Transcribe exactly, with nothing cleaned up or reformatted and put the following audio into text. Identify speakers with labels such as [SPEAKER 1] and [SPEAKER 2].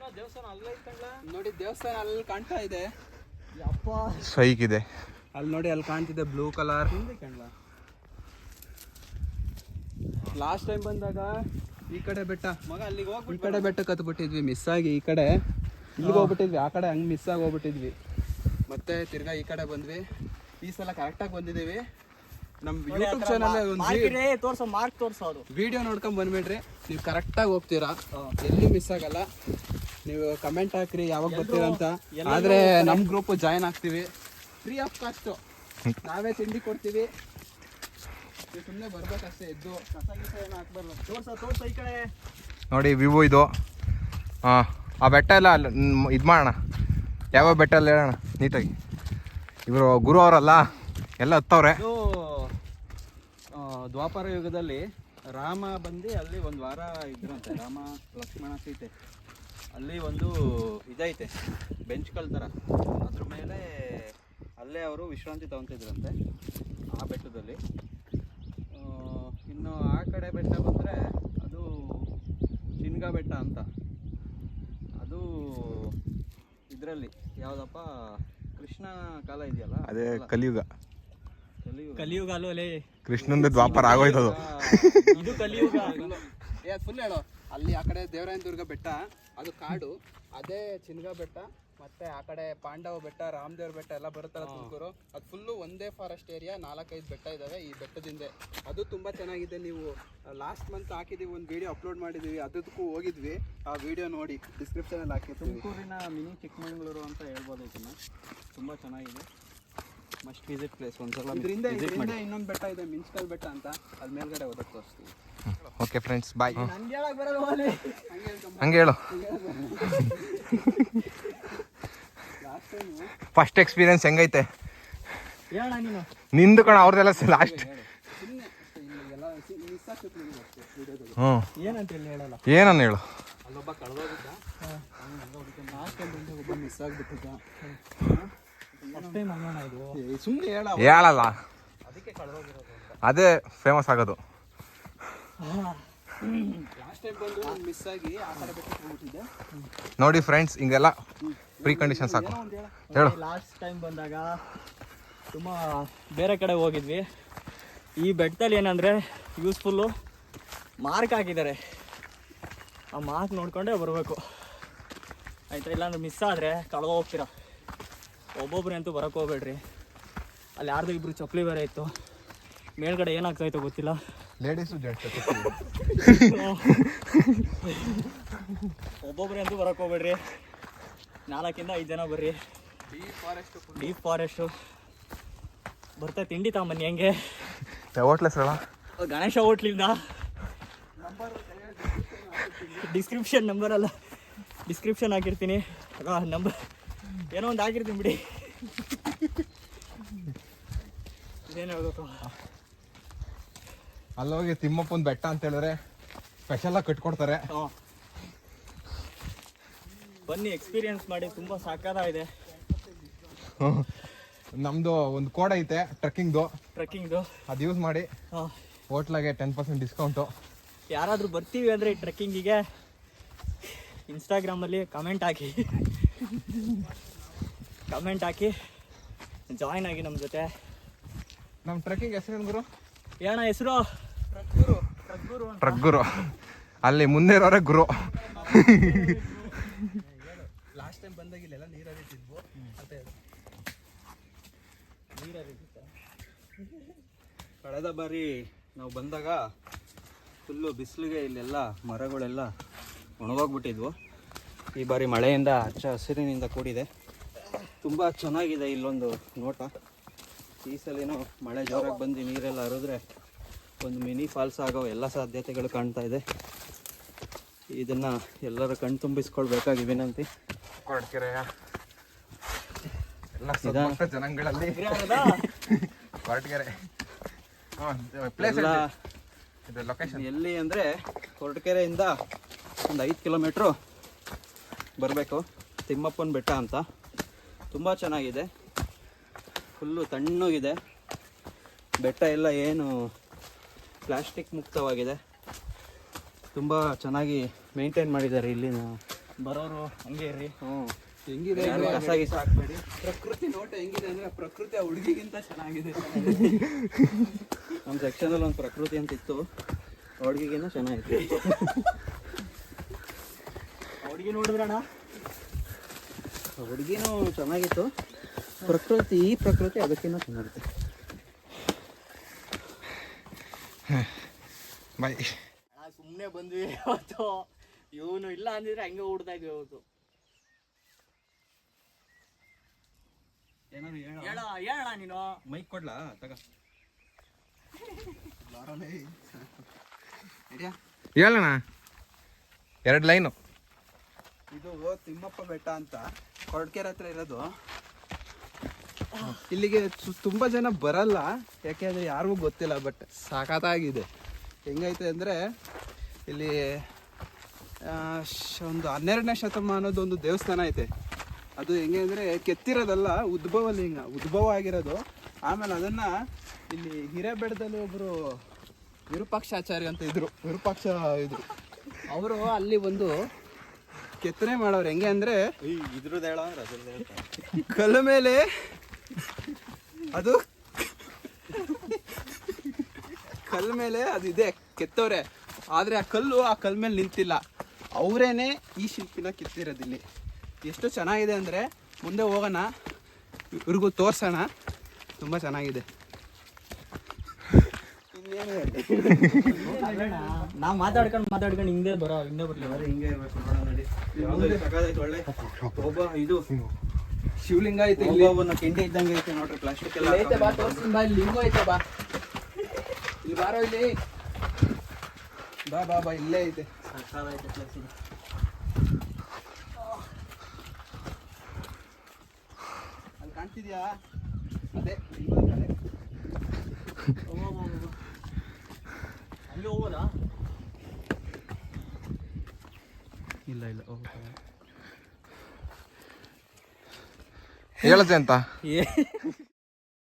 [SPEAKER 1] ನೋಡಿ ದೇವಸ್ಥಾನ ಅಲ್ಲಿ ಕಾಣ್ತಾ ಇದೆ.
[SPEAKER 2] ಸೈಕ್ ಇದೆ
[SPEAKER 1] ಅಲ್ಲಿ ನೋಡಿ, ಅಲ್ಲಿ ಕಾಣ್ತಿದೆ ಬ್ಲೂ ಕಲರ್. ಲಾಸ್ಟ್ ಟೈಮ್ ಬಂದಾಗ ಈ ಕಡೆ ಬೆಟ್ಟ ಮಗ ಅಲ್ಲಿಗೆ ಹೋಗಿ ಈ ಕಡೆ ಬೆಟ್ಟ ಕತ್ಬಿಟ್ಟಿದ್ವಿ ಮಿಸ್ ಆಗಿ. ಈ ಕಡೆ ಇಲ್ಲಿಗೆ ಹೋಗ್ಬಿಟ್ಟಿದ್ವಿ, ಆ ಕಡೆ ಹಂಗೆ ಮಿಸ್ ಆಗಿ ಹೋಗ್ಬಿಟ್ಟಿದ್ವಿ. ಮತ್ತೆ ತಿರ್ಗಾ ಈ ಕಡೆ ಬಂದ್ವಿ. ಈ ಸಲ ಕರೆಕ್ಟಾಗಿ ಬಂದಿದ್ದೀವಿ. ನಮ್ಮ ಯೂಟ್ಯೂಬ್ ಚಾನಲ್ ಒಂದು
[SPEAKER 3] ತೋರ್ಸೋ ಮಾರ್ಕ್ ತೋರ್ಸೋದು
[SPEAKER 1] ವಿಡಿಯೋ ನೋಡ್ಕೊಂಡ್ ಬಂದ್ಬಿಡ್ರಿ, ನೀವು ಕರೆಕ್ಟಾಗಿ ಹೋಗ್ತೀರಾ, ಎಲ್ಲಿ ಮಿಸ್ ಆಗಲ್ಲ. ನೀವು ಕಮೆಂಟ್ ಹಾಕ್ರಿ ಯಾವಾಗ ಬರ್ತೀರಾ ಅಂತ. ಆದ್ರೆ ನಮ್ಮ ಗ್ರೂಪ್ ಜಾಯ್ನ್ ಆಗ್ತೀವಿ, ಫ್ರೀ ಆಫ್ ಕಾಸ್ಟ್. ನಾವೇ ತಿಂಡಿ ಕೊಡ್ತೀವಿ, ಸುಮ್ಮನೆ ಬರ್ಬೇಕಷ್ಟೇ. ಎದ್ದು ಕಸ ಗಿಸ ಏನು ಹಾಕ್ಬಾರ್ದು.
[SPEAKER 3] ತೋರ್ಸ ತೋರ್ಸ ಈ ಕಡೆ
[SPEAKER 2] ನೋಡಿ ವ್ಯೂ ಇದು. ಹಾಂ, ಆ ಬೆಟ್ಟ ಎಲ್ಲ ಇದು ಮಾಡೋಣ, ಯಾವ ಬೆಟ್ಟ ಎಲ್ಲ ಹೇಳೋಣ ನೀಟಾಗಿ. ಇವರು ಗುರು ಅವರಲ್ಲ ಎಲ್ಲ ಹತ್ತವ್ರೆ.
[SPEAKER 1] ಇದು ದ್ವಾಪರ ಯುಗದಲ್ಲಿ ರಾಮ ಬಂದು ಅಲ್ಲಿ ಒಂದು ವಾರ ಇದ್ರಂತೆ, ರಾಮ ಲಕ್ಷ್ಮಣ ಸೀತೆ. ಅಲ್ಲಿ ಒಂದು ಇದೈತೆ ಬೆಂಚ್ಗಳ ಥರ, ಅದ್ರ ಮೇಲೆ ಅಲ್ಲೇ ಅವರು ವಿಶ್ರಾಂತಿ ತಗೊತಿದ್ರಂತೆ ಆ ಬೆಟ್ಟದಲ್ಲಿ. ಇನ್ನು ಆ ಕಡೆ ಬೆಟ್ಟ ಬಂದರೆ ಅದು ಚಿನ್ಗ ಬೆಟ್ಟ ಅಂತ. ಅದು ಇದರಲ್ಲಿ ಯಾವುದಪ್ಪ ಕೃಷ್ಣ ಕಾಲ ಇದೆಯಲ್ಲ,
[SPEAKER 2] ಅದೇ ಕಲಿಯುಗ.
[SPEAKER 1] ಕಲಿಯುಗ
[SPEAKER 3] ಕಲಿಯುಗ ಅಲ್ಲೇ
[SPEAKER 2] ಕೃಷ್ಣಂದು ದ್ವಾಪರ ಆಗೋಯ್ತದು.
[SPEAKER 3] ಇದು ಕಲಿಯುಗ.
[SPEAKER 1] ಏ ಫುಲ್ ಹೇಳು. ಅಲ್ಲಿ ಆ ಕಡೆ ದೇವರಾಯನ ದುರ್ಗ ಬೆಟ್ಟ, ಅದು ಕಾಡು. ಅದೇ ಚಿನ್ಗ ಬೆಟ್ಟ, ಮತ್ತೆ ಆ ಕಡೆ ಪಾಂಡವ ಬೆಟ್ಟ, ರಾಮದೇವ್ರ ಬೆಟ್ಟ ಎಲ್ಲ ಬರುತ್ತಲ್ಲ ತುಮಕೂರು, ಅದು ಫುಲ್ಲು ಒಂದೇ ಫಾರೆಸ್ಟ್ ಏರಿಯಾ. ನಾಲ್ಕೈದು ಬೆಟ್ಟ ಇದ್ದಾವೆ ಈ ಬೆಟ್ಟದಿಂದ. ಅದು ತುಂಬ ಚೆನ್ನಾಗಿದೆ. ನೀವು ಲಾಸ್ಟ್ ಮಂತ್ ಹಾಕಿದ್ದೀವಿ, ಒಂದು ವಿಡಿಯೋ ಅಪ್ಲೋಡ್ ಮಾಡಿದ್ದೀವಿ, ಅದಕ್ಕೂ ಹೋಗಿದ್ವಿ. ಆ ವಿಡಿಯೋ ನೋಡಿ, ಡಿಸ್ಕ್ರಿಪ್ಷನಲ್ಲಿ ಹಾಕಿರ್ತೀವಿ. ತುಮಕೂರಿನ ಮಿನಿ ಚಿಕ್ಕಮಗಳೂರು ಅಂತ ಹೇಳ್ಬೋದು ಇದನ್ನು. ತುಂಬ ಚೆನ್ನಾಗಿದೆ, ಮಸ್ಟ್ ವಿಸಿಟ್ ಪ್ಲೇಸ್. ಒಂದ್ಸಲ ಇದರಿಂದ ಇದರಿಂದ ಇನ್ನೊಂದು ಬೆಟ್ಟ ಇದೆ, ಮಿನ್ಸ್ಕಲ್ ಬೆಟ್ಟ ಅಂತ, ಅದು ಮೇಲ್ಗಡೆ ಹೋದಕ್ಕೆ ತೋರಿಸ್ತೀವಿ.
[SPEAKER 2] Okay friends, bye.
[SPEAKER 3] ಬರೋದು
[SPEAKER 2] ಹಂಗೆ ಹೇಳು. ಫಸ್ಟ್ ಎಕ್ಸ್ಪೀರಿಯನ್ಸ್ ಹೆಂಗೈತೆ
[SPEAKER 3] ಹೇಳ ನೀನು.
[SPEAKER 2] ನಿಂದು ಕಣ, ಅವ್ರದ್ದೆಲ್ಲ ಲಾಸ್ಟ್. ಹ್ಞೂ,
[SPEAKER 3] ಏನಂತ ಹೇಳಲ್ಲ.
[SPEAKER 2] ಏನನ್ನ ಹೇಳು.
[SPEAKER 1] ಅಲ್ಲೊಬ್ಬ ಕಳೆದೋಗಿದ್ದ, ಲಾಸ್ಟ್ ಟೈಮ್ ಬಂದಾಗ ಒಬ್ಬ ಮಿಸ್ ಆಗಿಬಿಟ್ಟಿದ್ದ. ಸುಮ್ಮನೆ ಹೇಳ,
[SPEAKER 2] ಹೇಳಲ್ಲ,
[SPEAKER 1] ಅದಕ್ಕೆ ಕಳೆದೋಗಿರೋದು.
[SPEAKER 2] ಅದೇ ಫೇಮಸ್ ಆಗೋದು.
[SPEAKER 1] ಲಾಸ್ಟ್ ಟೈಮ್ ಬಂದು ಮಿಸ್ ಆಗಿ ಆ ಕಡೆ ಬೆಟ್ಟಕ್ಕೆ ಹೋಗ್ಬಿಟ್ಟಿದ್ದೆ.
[SPEAKER 2] ನೋಡಿ ಫ್ರೆಂಡ್ಸ್, ಹಿಂಗೆಲ್ಲ ಪ್ರೀ ಕಂಡೀಷನ್ಸ್ ಹಾಕು. ಹೇಳು.
[SPEAKER 3] ಲಾಸ್ಟ್ ಟೈಮ್ ಬಂದಾಗ ತುಂಬ ಬೇರೆ ಕಡೆ ಹೋಗಿದ್ವಿ. ಈ ಬೆಟ್ಟದಲ್ಲಿ ಏನಂದರೆ ಯೂಸ್ಫುಲ್ಲು ಮಾರ್ಕ್ ಹಾಕಿದ್ದಾರೆ, ಆ ಮಾರ್ಕ್ ನೋಡ್ಕೊಂಡೇ ಬರಬೇಕು ಆಯಿತಾ. ಇಲ್ಲಾಂದ್ರೆ ಮಿಸ್ ಆದರೆ ಕಳೆದು ಹೋಗ್ತೀರಾ. ಒಬ್ಬೊಬ್ರೆ ಅಂತೂ ಬರೋಕ್ಕೆ ಹೋಗ್ಬೇಡ್ರಿ. ಅಲ್ಲಿ ಯಾರ್ದು ಇಬ್ಬರು ಚಪ್ಪಲಿ ಬೇರೆ ಇತ್ತು, ಮೇಲ್ಗಡೆ ಏನಾಗ್ತಾಯಿತ್ತು ಗೊತ್ತಿಲ್ಲ.
[SPEAKER 2] ಲೇಡೀಸು ಜೆಂಟ್ಸ್
[SPEAKER 3] ಒಬ್ಬೊಬ್ರೆ ಅಂತೂ ಬರೋಕ್ಕೆ ಹೋಗ್ಬೇಡ್ರಿ. ನಾಲ್ಕಿಂದ ಐದು ಜನ ಬರ್ರಿ.
[SPEAKER 1] ಡೀಪ್ ಫಾರೆಸ್ಟ್,
[SPEAKER 3] ಡೀಪ್ ಫಾರೆಸ್ಟು ಬರ್ತಾ ತಿಂಡಿ ತಗೊಂಬನ್ನಿ. ಹೆಂಗೆ
[SPEAKER 2] ಹೋಟ್ಲ್ ಹೆಸರಲ್ಲ,
[SPEAKER 3] ಗಣೇಶ ಹೋಟ್ಲಿಂದ. ಡಿಸ್ಕ್ರಿಪ್ಷನ್ ನಂಬರ್ ಅಲ್ಲ, ಡಿಸ್ಕ್ರಿಪ್ಷನ್ ಹಾಕಿರ್ತೀನಿ. ನಂಬರ್ ಏನೋ ಒಂದು ಹಾಕಿರ್ತೀನಿ ಬಿಡಿ. ಇದೇನು ಹೇಳ್ಬೇಕು,
[SPEAKER 2] ಅಲ್ಲೋಗಿ ತಿಮ್ಮಪ್ಪನ ಬೆಟ್ಟ ಅಂತ ಹೇಳಿದ್ರೆ ಸ್ಪೆಷಲಾಗಿ ಕಟ್ಕೊಡ್ತಾರೆ.
[SPEAKER 3] ಹಾಂ, ಬನ್ನಿ ಎಕ್ಸ್ಪೀರಿಯನ್ಸ್ ಮಾಡಿ, ತುಂಬ ಸಾಕಾಗಿದೆ.
[SPEAKER 2] ನಮ್ಮದು ಒಂದು ಕೋಡ್ ಐತೆ ಟ್ರೆಕ್ಕಿಂಗ್ದು,
[SPEAKER 3] ಟ್ರೆಕ್ಕಿಂಗ್ದು.
[SPEAKER 2] ಅದು ಯೂಸ್ ಮಾಡಿ
[SPEAKER 3] ಹಾಂ,
[SPEAKER 2] ಹೋಟ್ಲಾಗೆ ಟೆನ್ ಪರ್ಸೆಂಟ್ ಡಿಸ್ಕೌಂಟು.
[SPEAKER 3] ಯಾರಾದರೂ ಬರ್ತೀವಿ ಅಂದರೆ ಈ ಟ್ರೆಕ್ಕಿಂಗಿಗೆ ಇನ್ಸ್ಟಾಗ್ರಾಮಲ್ಲಿ ಕಮೆಂಟ್ ಹಾಕಿ ಕಮೆಂಟ್ ಹಾಕಿ ಜಾಯ್ನ್ ಆಗಿ ನಮ್ಮ ಜೊತೆ.
[SPEAKER 2] ನಮ್ಮ ಟ್ರೆಕ್ಕಿಂಗ್ ಹೆಸರೇನು ಗುರು?
[SPEAKER 3] ಏನ ಹೆಸರು?
[SPEAKER 1] ಟ್ರಕ್ಗುರು. Trek Guru
[SPEAKER 2] Trek Guru. ಅಲ್ಲಿ ಮುಂದೆ ಇರೋರೆ ಗುರು.
[SPEAKER 1] ಲಾಸ್ಟ್ ಟೈಮ್ ಬಂದಾಗ ಇಲ್ಲೆಲ್ಲ ನೀರು ಹರಿತಿದ್ವು. ಮತ್ತೆ ನೀರು ಹರಿತಿತ್ತ. ಕಳೆದ ಬಾರಿ ನಾವು ಬಂದಾಗ ಫುಲ್ಲು ಬಿಸಿಲಿಗೆ ಇಲ್ಲೆಲ್ಲ ಮರಗಳೆಲ್ಲ ಒಣಗೋಗ್ಬಿಟ್ಟಿದ್ವು. ಈ ಬಾರಿ ಮಳೆಯಿಂದ ಹಚ್ಚ ಹಸಿರಿನಿಂದ ಕೂಡಿದೆ, ತುಂಬ ಚೆನ್ನಾಗಿದೆ ಇಲ್ಲೊಂದು ನೋಟ. ಈ ಸಲಿನೂ ಮಳೆ ಜೋರಾಗಿ ಬಂದು ನೀರೆಲ್ಲ ಹರಿದ್ರೆ ಒಂದು ಮಿನಿ ಫಾಲ್ಸ್ ಆಗೋ ಎಲ್ಲ ಸಾಧ್ಯತೆಗಳು ಕಾಣ್ತಾ ಇದೆ. ಇದನ್ನು ಎಲ್ಲರೂ ಕಣ್ ತುಂಬಿಸ್ಕೊಳ್ಬೇಕಾಗಿ ವಿನಂತಿ.
[SPEAKER 2] ಕೊರಟಗೆರೆ ಎಲ್ಲ ಸುತ್ತಮುತ್ತ ಜನಗಳಲ್ಲಿ ಕೊರಟಗೆರೆ ಪ್ಲೇಸ್
[SPEAKER 1] ಎಲ್ಲ
[SPEAKER 2] ಇದು ಲೊಕೇಶನ್
[SPEAKER 1] ಎಲ್ಲಿ ಅಂದರೆ ಕೊರಟಗೆರೆಯಿಂದ ಒಂದು ಐದು ಕಿಲೋಮೀಟ್ರು ಬರಬೇಕು. ತಿಮ್ಮಪ್ಪನ ಬೆಟ್ಟ ಅಂತ, ತುಂಬ ಚೆನ್ನಾಗಿದೆ. ಫುಲ್ಲು ತಣ್ಣಗಿದೆ ಬೆಟ್ಟ ಎಲ್ಲ, ಏನು ಪ್ಲಾಸ್ಟಿಕ್ ಮುಕ್ತವಾಗಿದೆ. ತುಂಬ ಚೆನ್ನಾಗಿ ಮೇಂಟೈನ್ ಮಾಡಿದ್ದಾರೆ ಇಲ್ಲಿನ
[SPEAKER 3] ಬರೋರು ಹಂಗೆ ಇರ್ರಿ.
[SPEAKER 2] ಹ್ಞೂ
[SPEAKER 1] ಹೆಂಗಿದೆ
[SPEAKER 3] ಯಾರು
[SPEAKER 1] ಅಂದ್ರೆ
[SPEAKER 3] ಕಸ ಗಿಸ ಹಾಕ್ಬೇಡಿ.
[SPEAKER 1] ಪ್ರಕೃತಿ ನೋಟ ಹೆಂಗಿದೆ ಅಂದ್ರೆ ಪ್ರಕೃತಿ ಆ ಹುಡುಗಿಗಿಂತ ಚೆನ್ನಾಗಿದೆ.
[SPEAKER 3] ನಮ್ಮ ಸೆಕ್ಷನಲ್ಲಿ ಒಂದು ಪ್ರಕೃತಿ ಅಂತ ಇತ್ತು, ಹುಡುಗಿಗಿನ್ನ ಚೆನ್ನಾಗಿತ್ತು. ಹುಡುಗಿ ನೋಡಿದ್ರಣ್ಣ, ಹುಡುಗಿನೂ ಚೆನ್ನಾಗಿತ್ತು, ಪ್ರಕೃತಿ ಈ ಪ್ರಕೃತಿ ಅದಕ್ಕಿಂತ ಚೆನ್ನಾಗಿತ್ತು.
[SPEAKER 2] ಬಾಯ್.
[SPEAKER 3] ಸುಮ್ಮನೆ ಬಂದ್ವಿ ಇವತ್ತು, ಇವನು ಇಲ್ಲ ಅಂದಿದ್ರೆ ಹಂಗೆ ಓಡ್ತಾ ಇದ್ವಿ ಇವತ್ತು.
[SPEAKER 1] ಏನಾದ್ರು ಹೇಳ
[SPEAKER 3] ಹೇಳ ಹೇಳ ನೀನು.
[SPEAKER 2] ಮೈಕ್ ಕೊಡ್ಲಾ ತಗ ಹೇಳಣ್ಣ ಎರಡು ಲೈನು.
[SPEAKER 1] ಇದು ತಿಮ್ಮಪ್ಪ ಬೆಟ್ಟ ಅಂತ ಕೊರಟಗೆರೆ ಹತ್ರ ಇರೋದು. ಇಲ್ಲಿಗೆ ಸು- ತುಂಬಾ ಜನ ಬರಲ್ಲ, ಯಾಕೆಂದ್ರೆ ಯಾರಿಗೂ ಗೊತ್ತಿಲ್ಲ. ಬಟ್ ಸಖತ್ತಾಗಿದೆ. ಹೆಂಗೈತೆ ಅಂದ್ರೆ ಇಲ್ಲಿ ಆ, ಶ- ಒಂದು ಹನ್ನೆರಡನೇ ಶತಮಾನದ ಒಂದು ದೇವಸ್ಥಾನ ಐತೆ. ಅದು ಹೆಂಗೆ ಅಂದರೆ ಕೆತ್ತಿರೋದಲ್ಲ, ಉದ್ಭವ ಲಿಂಗ ಉದ್ಭವ ಆಗಿರೋದು. ಆಮೇಲೆ ಅದನ್ನ ಇಲ್ಲಿ ಹಿರೇಬೆಟ್ಟದಲ್ಲಿ ಒಬ್ಬರು ವಿರೂಪಾಕ್ಷಾಚಾರ್ಯ ಅಂತ ಇದ್ರು, ವಿರೂಪಾಕ್ಷ ಇದ್ರು. ಅವರು ಅಲ್ಲಿ ಒಂದು ಕೆತ್ತನೆ ಮಾಡೋರು. ಹೆಂಗೆ ಅಂದರೆ
[SPEAKER 3] ಇದ್ರದ್ದು ಹೇಳ ಅಂದ್ರೆ ಅದ್ರದ್ದು ಹೇಳ್ತಾರೆ.
[SPEAKER 1] ಕಲ್ಲು ಮೇಲೆ ಅದು ಕಲ್ಲು ಮೇಲೆ ಅದು ಇದೆ ಕೆತ್ತವ್ರೆ, ಆದರೆ ಆ ಕಲ್ಲು ಆ ಕಲ್ಲು ಮೇಲೆ ನಿಂತಿಲ್ಲ. ಅವರೇನೆ ಈ ಶಿಲ್ಪಿನ ಕೆತ್ತಿರೋದು. ಇಲ್ಲಿ ಎಷ್ಟು ಚೆನ್ನಾಗಿದೆ ಅಂದರೆ ಮುಂದೆ ಹೋಗೋಣ, ಇವ್ರಿಗೂ ತೋರ್ಸೋಣ. ತುಂಬ ಚೆನ್ನಾಗಿದೆ. ಇನ್ನೇನು
[SPEAKER 3] ನಾವು ಮಾತಾಡ್ಕೊಂಡು ಮಾತಾಡ್ಕೊಂಡು ಹಿಂದೆ ಬರೋ ಹಿಂದೆ ಬರ್ಲಿ.
[SPEAKER 1] ಹಿಂಗೆ ಇರ್ಬೇಕು ನೋಡೋಣ ನಡಿ. ಒಳ್ಳೆ ಒಬ್ಬ ಇದು ಶಿವಲಿಂಗ ಐತೆ ಇಲ್ಲಿ.
[SPEAKER 3] ಒಬ್ಬೊಬ್ಬನ ಕೆಂಡೆ ಇದ್ದಂಗೆ ಐತೆ ನೋಡ್ರಿ, ಪ್ಲಾಸ್ಟಿಕ್ ಎಲ್ಲ
[SPEAKER 1] ಇಲ್ಲಿ ಐತೆ ಬಾ, ತೋರ್ಸ್ತೀನಿ ಬಾ. ಇಲ್ಲಿ ಲಿಂಗು ಐತೆ ಬಾ, ಇಲ್ಲಿ ಬಾರೋ, ಇಲ್ಲಿ ಬಾ ಬಾ ಬಾ, ಇಲ್ಲೇ ಐತೆ.
[SPEAKER 3] ಸಾಕಾಗೈತೆ ಪ್ಲೇಸ್ ಇದು.
[SPEAKER 1] ಅಲ್ಲಿ ಕಾಣ್ತಿದ್ಯಾ? ಅದೇ ಲಿಂಗದ ಕಡೆ.
[SPEAKER 3] ಅಲ್ಲಿ ಹೋಗೋದಾ?
[SPEAKER 1] ಇಲ್ಲ ಇಲ್ಲ
[SPEAKER 2] ಹೇಳತ್ತೆ ಅಂತ
[SPEAKER 3] ಏ